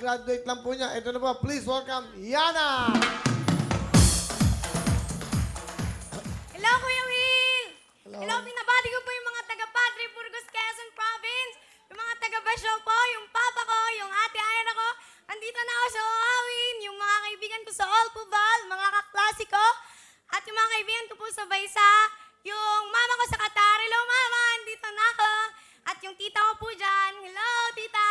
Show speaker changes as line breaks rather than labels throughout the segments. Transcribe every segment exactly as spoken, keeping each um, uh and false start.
kaka-graduate lang po niya. Ito na po, please welcome, Yana!
Hello, Kuya Will!
Hello.
Hello, pinabati ko po yung mga taga Padre Burgos, Quezon Province. Yung mga taga Basyong po, yung papa ko, yung ate Ayana ko. Andito na ako sa Oawin, yung mga kaibigan ko sa Olpuval, mga kaklase ko. At yung mga kaibigan ko po sa Baysa, yung mama ko sa Qatar. Hello, mama! Andito na ako. At yung tita ko po dyan. Hello, tita!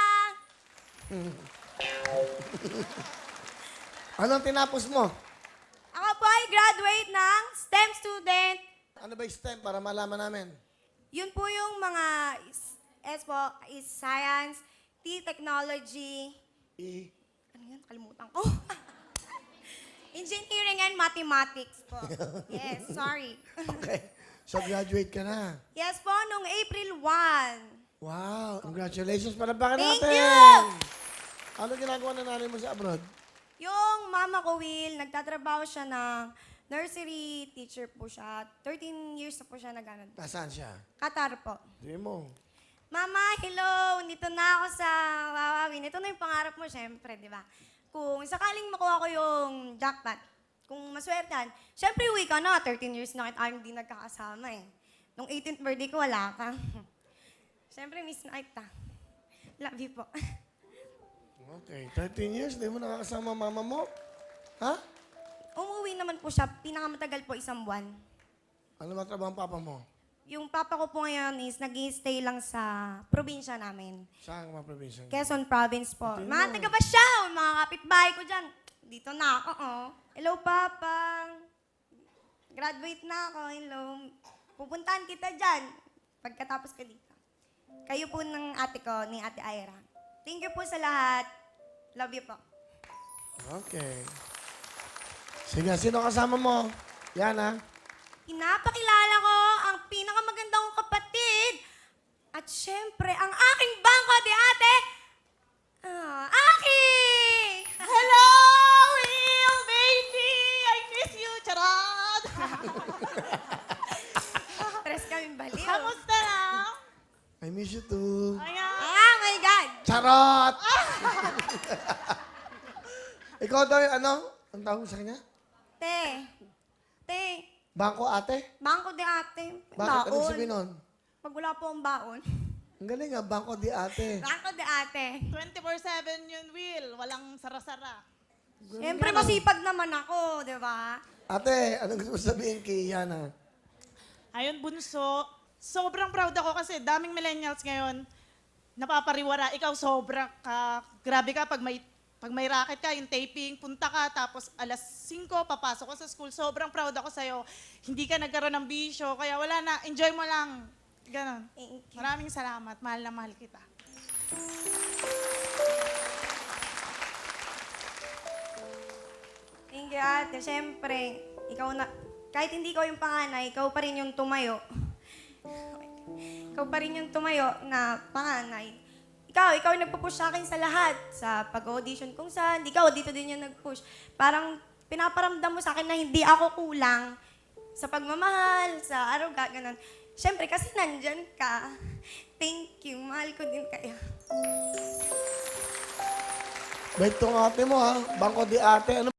Anong tinapos mo?
Ako po ay graduate ng STEM student.
Ano ba yung STEM para malaman namin?
Yun po yung mga is, S po, is science, T, technology,
I.
ano yan? Kalimutan ko. Engineering and mathematics po. Yes, sorry.
Okay. So, graduate ka na.
Yes po, nung April first.
Wow. Congratulations. Palakpakan
Thank
natin.
you!
Ano ginagawa na nanay mo sa abroad?
Yung mama ko, Will, nagtatrabaho siya ng nursery teacher po siya. thirteen years na po siya nag-ano.
Nasaan siya?
Qatar po.
Hindi mo.
Mama, hello! Nandito na ako sa Wawawin. Ito na yung pangarap mo, syempre, di ba? Kung sakaling makuha ko yung jackpot, kung maswertehan, syempre uwi ka na. thirteen years na kita hindi nagkakasama eh. Nung eighteenth birthday ko, wala ka. Syempre, miss na kita. Love you po.
Okay. thirteen years, hindi mo nakakasama mama mo? Ha?
Umuwi naman po siya, pinakamatagal po isang buwan.
Ano ba trabaho ang papa mo?
Yung papa ko po ngayon is nag-stay lang sa probinsya namin.
Saan ka mga probinsya?
Quezon Province po.
Ito
Mga
yun.
taga Basyaw, mga kapitbahay ko dyan. Dito na ako, oh. Hello, Papa. Graduate na ako, hello. Pupuntahan kita dyan pagkatapos ko dito. Kayo po ng ate ko, ni Ate Ira. Thank you po sa lahat. Love you po.
Okay. Sige, sino kasama mo? Yana?
Pinapakilala ko ang pinakamagandang kapatid. At syempre, ang aking bangko, di ate, ah, Aki!
Hello, Will, baby! I miss you, charot!
Tres kaming baliw.
Kamusta na?
I miss you too.
Ayan.
Ah, my God!
Charot! Ikaw daw yung ano? Ang tawag mo sa kanya?
Te, te,
Bangko ate?
bangko di ate.
Bakit? Anong
Baon.
sabihin nun?
Pag wala po ang baon.
Ang galing nga, bangko di ate.
Bangko di ate.
twenty-four seven yun, Will. Walang sara-sara.
Siyempre masipag naman ako, di ba?
Ate, anong gusto mo sabihin kay Yana?
Ayun, bunso. Sobrang proud ako kasi daming millennials ngayon napapariwara. Ikaw sobra ka. Grabe ka pag may pag may racket ka, yung taping, punta ka, tapos alas singko, papasok ka sa school. Sobrang proud ako sa'yo. Hindi ka nagkaroon ng bisyo, kaya wala na. Enjoy mo lang. Ganon.
Thank you.
Maraming salamat. Mahal na mahal kita.
Thank you, ate. Siyempre, ikaw na, kahit hindi ko yung panganay, ikaw pa rin yung tumayo. Ikaw pa rin yung tumayo na panganay. Ikaw, ikaw yung nagpo-push sa akin sa lahat. Sa pag-audition kung saan. Ikaw, dito din yung nag-push. Parang pinaparamdam mo sa akin na hindi ako kulang sa pagmamahal, sa aruga, ganun. Siyempre, kasi nandyan ka. Thank you. Mahal ko din kayo.
Bait tong ate mo ha. Bangko di ate. Ano